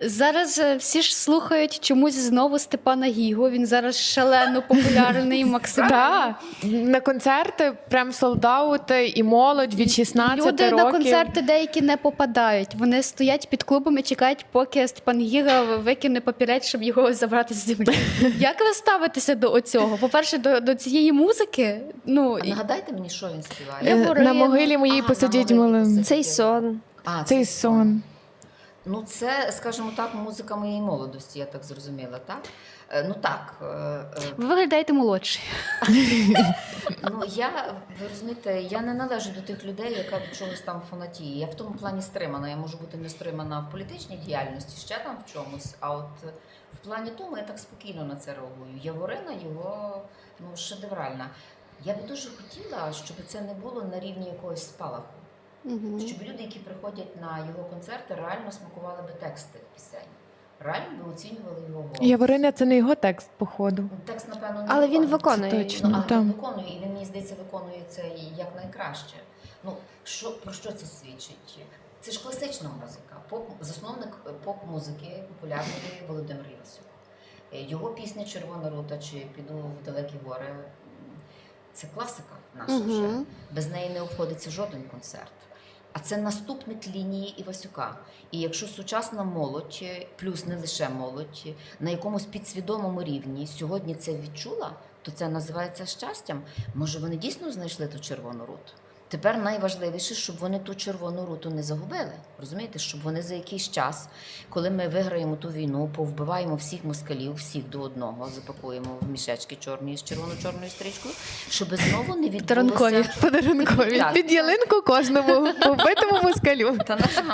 Зараз всі ж слухають чомусь знову Степана Гігу. Він зараз шалено популярний, максимально. Да. На концерти прям солдаути і молодь від 16 Люди років. на концерти деякі не попадають. Вони стоять під клубами, чекають, поки Степан Гіга викине папірець, щоб його забрати з землі. Як ви ставитеся до цього? По-перше, до цієї музики? Ну, А нагадайте мені, що він співає? Я На могилі моїй А, посидіть на могилі малим. посидіть. Цей сон. А, Цей сон. Ну, це, скажімо так, музика моєї молодості, я так зрозуміла, так? Ну так. ви виглядаєте молодший. Ну, ви розумієте, я не належу до тих людей, яка від чогось там фанатіє. Я в тому плані стримана. Я можу бути не стримана в політичній діяльності, ще там в чомусь, а от в плані тому я так спокійно на це реагую. Яворина його, шедевральна. Я би дуже хотіла, щоб це не було на рівні якогось спалаху. Щоб люди, які приходять на його концерти, реально смакували би тексти пісень. Реально би оцінювали його голос. Яворина – це не його текст, походу. Текст, напевно, не Але він виконує. виконує. Точно. Але там. він виконує, і він, мені здається, виконує це якнайкраще. Ну, про що це свідчить? Це ж класична музика. Засновник поп-музики популярної Володимир Івасюк. Його пісня «Червона рута» чи «Піду в далекі гори» – це класика наша вже. Без неї не обходиться жоден концерт. А це наступник лінії Івасюка. І якщо сучасна молодь, плюс не лише молодь, на якомусь підсвідомому рівні сьогодні це відчула, то це називається щастям. Може, вони дійсно знайшли ту червону руту? Тепер найважливіше, щоб вони ту червону руту не загубили. Розумієте, щоб вони за якийсь час, коли ми виграємо ту війну, повбиваємо всіх москалів, всіх до одного, запакуємо в мішечки чорні з червоно-чорною стрічкою, щоб знову не відбулося... Подарункові. Подарункові. Так. Під ялинку кожному побитому москалю. Та наша